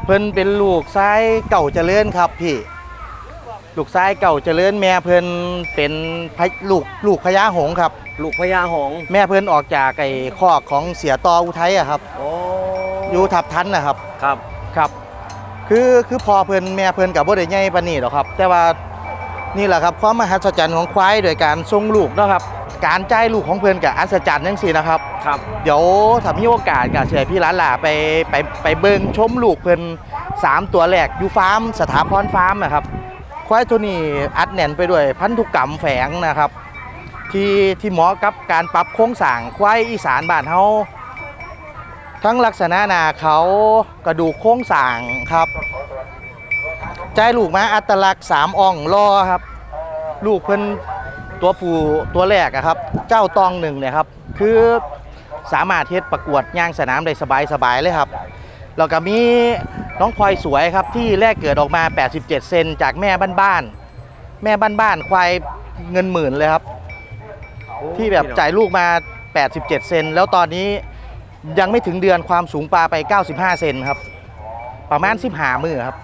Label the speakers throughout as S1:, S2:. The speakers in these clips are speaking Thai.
S1: เพิ่นเป็นลูกชายเก่าเจริญครับพี่ลูกชายเก่าเจริญแม่เพิ่นเป็นลูกพญาหงส์ครับ
S2: ลูกพญาหงส์
S1: แม่เพิ่นออกจากไอ้คอกของเสียตออุทัยอะครับ
S2: โอ้
S1: อยู่ทับทันนะครับ
S2: ครับ
S1: ครับคือพอเพิ่นแม่เพิ่นกับบ่ได้ใหญ่ปานนี้หรอกครับแต่ว่านี่แหละครับความมหัศจรรย์ของควายโดยการส่งลูกเนาะครับการจ่ายลูกของเพิ่นกับอัศจรรย์จังซี่นะครับ
S2: ครับ
S1: เดี๋ยวถ้ามีโอกาสก็เชิญพี่หลานๆไปเบิ่งชมลูกเพิ่น3ตัวแรกอยู่ฟาร์มสถาพรฟาร์มนะครับควายตัวนี้อัดแน่นไปด้วยพันธุกรรมแฝงนะครับที่เหมาะกับการปรับโครงสร้างควายอีสานบ้านเฮาทั้งลักษณะหน้าเขากระดูกโครงสร้างครับใจลูกมาอัตลักษณ์3อ่องรอครับลูกเพิ่นตัวผู้ตัวแรกครับเจ้าตองหนึ่งเนี่ยครับคือสามารถเฮ็ดประกวดย่างสนามได้สบายเลยครับแล้วก็มีน้องพลอยสวยครับที่แรกเกิดออกมา87เซนจากแม่บ้านควายเงินหมื่นเลยครับที่แบบจ่ายลูกมา87เซนแล้วตอนนี้ยังไม่ถึงเดือนความสูงปลาไป95เซนครับประมาณ15มื้อครับ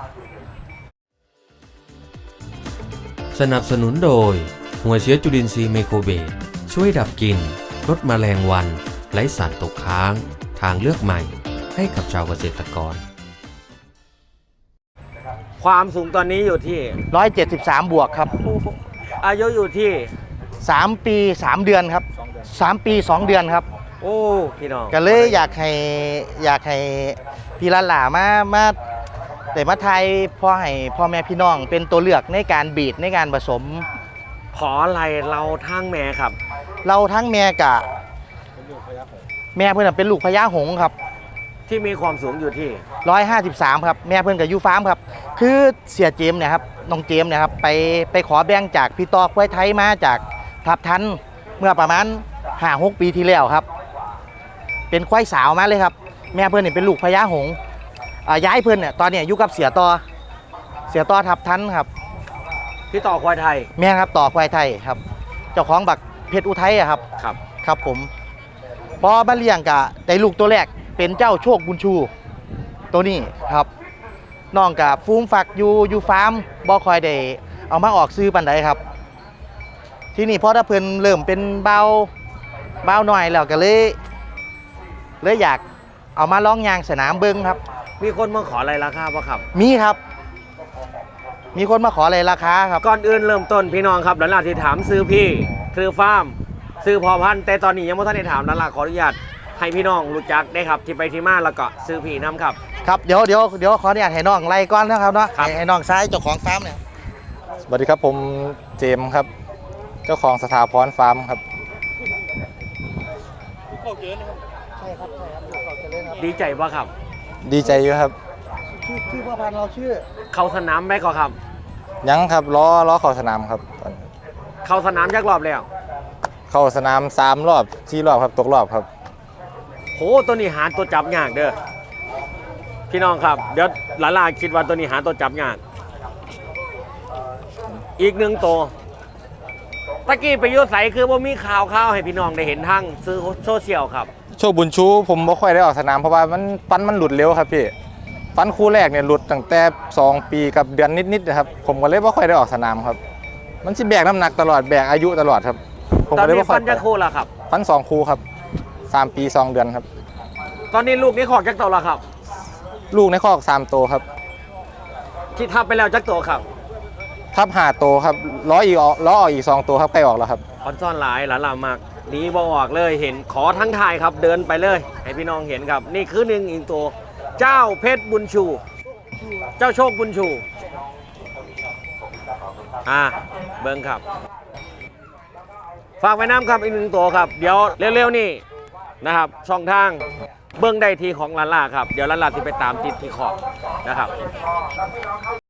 S3: สนับสนุนโดยหัวเชื้อจุลินทรีย์ไมโครเบสช่วยดับกลิ่นลดแมลงวันไร้สารตกค้างทางเลือกใหม่ให้กับชาวเกษตรกร
S2: ความสูงตอนนี้อยู่ที่
S1: 173บวกครับ
S2: อายุอยู่ที่
S1: 3 ปี3 เดือนครับ3 ปี 2 เดือนครับ
S2: โอ้พี่น้อง
S1: ก็เลยอยากให้พี่หลานๆมาแต่มาไทยพ่อแม่พี่น้องเป็นตัวเลือกในการบีดในการผสม
S2: ขออะไรเราทั้งแม่ครับ
S1: เราทั้งแม่กับแม่เพื่อนเป็นลูกพญาหงส์ครับ
S2: ที่มีความสูงอยู่ที่
S1: 153ครับแม่เพื่อนกับยูฟาร์มครับคือเสียเจมเนี่ยครับน้องเจมเนี่ยครับไปขอแบ่งจากพี่ตอควายไทยมาจากทับทันเมื่อประมาณ 5-6 ปีที่แล้วครับเป็นควายสาวมาเลยครับแม่เพื่อนเนี่ยเป็นลูกพญาหงส์ย้ายเพื่อนเนี่ยตอนนี้อยู่กับเสียตอทับทันครับ
S2: พี่ต่อควายไทย
S1: แม่ครับต่อควายไทยครับเจ้าของบักเพชรอุทัยครับครับผมพอมาเลี้ยงกะได้ลูกตัวแรกเป็นเจ้าโชคบุญชูตัวนี้ครับน้องกับฟูมฝักอยู่ฟาร์มบ่คอยได้เอามาออกซื้อปันใดครับที่นี่พอถ้าเพิ่นเริ่มเป็นเบาหน่อยแล้วก็เลยอยากเอามาร้องยางสนามเบิ้งครับ
S2: มีคนมาขออะไรราคาป่ะครับ
S1: มีครับมีคนมาขออะไรราคาครับ
S2: ก่อนอื่นเริ่มต้นพี่น้องครับหลังที่ถามซื้อพี่คือฟาร์มซื้อพอพันแต่ตอนนี้ยังไม่ทันได้ถามหลังขออนุญาตให้พี่น้องรู้จักได้ครับที่ไปที่มาแล้วก็ซื้อพี่น้ำครับ
S1: ครับเดี๋ยวขออนุญาตให้น้องไล่ก่อนนะครับเนาะให้น้องซ้ายเจ้าของฟาร์มเนี่ย
S4: สวัสดีครับผมเจมส์ครับเจ้าของสถาพรฟาร์มครับ
S1: ใช่ครับ
S2: ดีใจป่ะครับ
S4: ดีใจอยู่ครับ
S1: ชื่อพ่อพันธุ์เราชื่อ
S2: เข้าสนามไหมก่อนครับ
S4: ยังครับล้อเข้าสนามครับ
S2: เข้าสนามยักรอบแล้ว
S4: เข้าสนาม3 รอบ4 รอบครับตกรอบครับ
S2: โหตัวนี้หาตัวจับยากเด้อพี่น้องครับเดี๋ยวหลานๆคิดว่าตัวนี้หาตัวจับยากอีก1 ตัวตะกี้ไปยุใสคือว่ามีข่าวให้พี่น้องได้เห็นทางซื้อโซเชียลครับ
S4: โชคบุญชูผมไม่ค่อยได้ออกสนามเพราะว่าฟันมันหลุดเร็วครับพี่ฟันคู่แรกเนี่ยหลุดตั้งแต่2 ปีกับเดือนนิดๆนะครับผมก็เลยไม่ค่อยได้ออกสนามครับมันสิแบกน้ำหนักตลอดแบกอายุตลอดครับ
S2: ผมก็เลยไม่ค่อยฟันจะคู่ละครับ
S4: ฟัน2 คู่ครับ3 ปี 2 เดือนครับ
S2: ตอนนี้ลูกนี้ขอกจักตัวละครับ
S4: ลูกในคอก3 ตัวครับ
S2: ที่ทับไปแล้วจักตัวครับ
S4: ทับ5 ตัวครับล้อออกอีก2 ตัวครับใกล้ออกแล้วครับ
S2: ออนซ่อนหลายหลานมากนี้บออกเลยเห็นขอทั้งทายครับเดินไปเลยให้พี่น้องเห็นครับนี่คืออีกตัวเจ้าเพชรบุญชูเจ้าโชคบุญชูเบิ้งครับฝากไว้น้ำครับอีก1 ตัวครับเดี๋ยวเร็วๆนี่นะครับช่องทางเบิ้งได้ทีของลาล่าครับเดี๋ยวลาล่าจะไปตามติดที่ขอบนะครับ